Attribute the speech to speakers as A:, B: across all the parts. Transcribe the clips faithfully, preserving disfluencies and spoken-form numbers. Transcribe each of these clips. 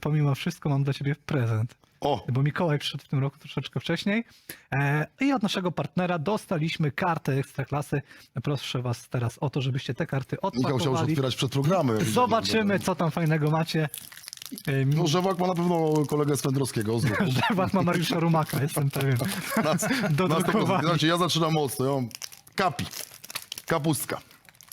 A: pomimo wszystko mam dla ciebie prezent.
B: O,
A: Bo Mikołaj przyszedł w tym roku troszeczkę wcześniej e, i od naszego partnera dostaliśmy kartę Ekstraklasy. Proszę was teraz o to, żebyście te karty
B: Michał chciał już
A: odpakowali.
B: otwierać przed programem.
A: Zobaczymy, co tam fajnego macie. E,
B: No, Żewak ma na pewno kolegę Swędrowskiego. z ruchu.
A: Żewak ma Mariusza Rumaka, jestem pewien. Do
B: Na tego,
A: drukowania.
B: znaczy, ja zaczynam mocno. Ja mam kapi. Kapustka.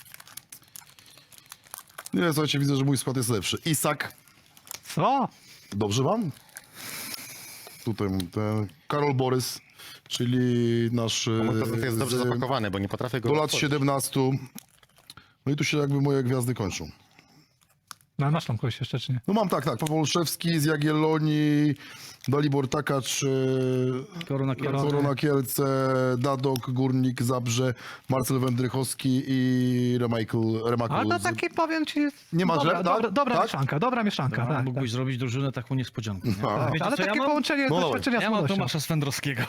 B: Nie, słuchajcie, widzę, że mój skład jest lepszy. Isak.
A: Co?
B: Dobrze wam? Tutaj mam ten Karol Borys, czyli nasz...
C: Mój
B: e,
C: prezent jest dobrze
B: z-
C: zapakowany, bo nie potrafię go
B: Do lat
C: otworzyć.
B: siedemnastu. No i tu się jakby moje gwiazdy kończą.
A: No masz tam kogoś jeszcze, czy nie?
B: No mam tak, tak. Paweł Olszewski z Jagiellonii, Dalibor Takacz, e,
D: Korona Kielce.
B: Korona Kielce, Dadok, Górnik, Zabrze, Marcel Wędrychowski i Remichael. Remichael
A: Ale to
B: z-
A: taki, powiem ci,
B: Nie ma
A: dobra,
B: źle,
A: dobra,
B: tak?
A: dobra
B: Tak?
A: mieszanka, dobra mieszanka.
D: A
A: tak,
D: mógłbyś
A: tak.
D: zrobić drużynę taką niespodziankę. Nie?
B: A,
D: Wiecie,
A: Ale
D: co ja
A: takie
D: mam?
A: połączenie
B: No dawaj.
A: doświadczenia
D: Ja
A: z
D: mam
A: młodością.
D: Tomasza Swędrowskiego.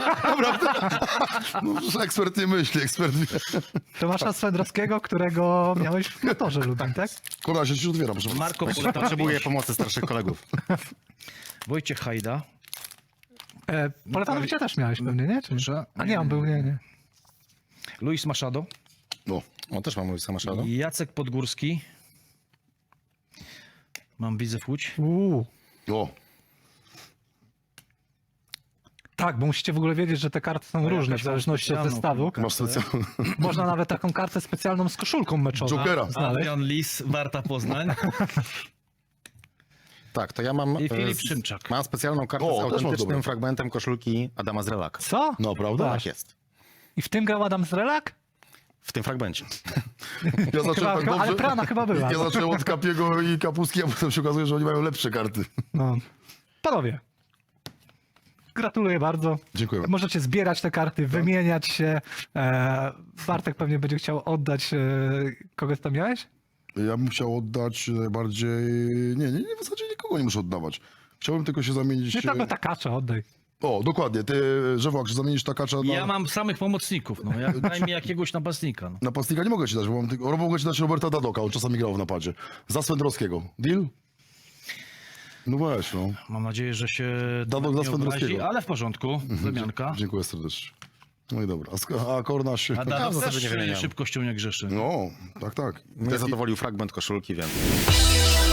B: No, że ekspert nie myśli, ekspert wie.
A: Tomasza Swędrowskiego, którego miałeś w motorze Lubin, tak?
B: Kona, się ci otwieram, proszę.
D: Marko Poleta.
C: Potrzebuję pomocy starszych kolegów.
D: Wojciech Hajda.
A: E, Poletanowicia też miałeś pewnie, nie? Czy?
D: Proszę.
A: A nie, on był, nie, nie.
D: Luis Machado.
B: No.
C: O, też mam Luisa Machado.
D: Jacek Podgórski. Mam Widzew Łódź.
A: Uuu.
B: O,
A: Tak, bo musicie w ogóle wiedzieć, że te karty są różne w
D: jakaś mam
A: zależności od
D: specjalną
A: zestawu.
D: kartę.
B: masz specjalny.
A: Można nawet taką kartę specjalną z koszulką meczową
B: Jokera.
A: znaleźć.
D: Adrian Lis, Warta Poznań.
C: Tak, to ja mam...
D: I
C: e,
D: Filip
C: z-
D: Szymczak.
C: Mam specjalną kartę
B: O,
C: z
B: też mam
C: autentycznym
B: dobre.
C: fragmentem koszulki Adama Zrelaka.
A: Co?
B: No, prawda?
A: Tak.
C: Tak jest.
A: I w tym grał Adam Zrelak?
C: W tym fragmencie.
B: Ja zacząłem
A: Chyba,
B: tak
A: chyba, ale
B: dobrze.
A: prana chyba była.
B: Ja zacząłem od Kapiego i Kapustki, a potem się okazuje, że oni mają lepsze karty.
A: No. Panowie, gratuluję bardzo.
B: Dziękuję.
A: Możecie zbierać te karty, wymieniać się. E, Bartek pewnie będzie chciał oddać. E, kogo tam miałeś?
B: Ja bym chciał oddać najbardziej... Nie, nie, nie, w zasadzie nikogo nie muszę oddawać. Chciałbym tylko się zamienić...
A: Nie tego takacza oddaj.
B: O, dokładnie. Ty, Żewak, że zamienisz Takacza na...
D: Ja mam samych pomocników. No. Ja, daj mi jakiegoś napastnika. No.
B: Napastnika nie mogę ci dać, bo mam tylko... Mogę ci dać Roberta Dadoka, on czasami grał w napadzie. Za Swędrowskiego. Deal? No weź, no.
D: Mam nadzieję, że się
B: Dadok
D: nie
B: za Swędrowskiego.
D: obrazi, ale w porządku. Wymianka.
B: Dziękuję serdecznie. No i dobra. A, sk- a Korna się...
D: A
C: w
D: Dadok
C: zasadzie
D: też
C: nie wymieniam.
D: szybkością nie grzeszy.
B: No, tak, tak.
C: Mnie zadowolił fragment koszulki, więc...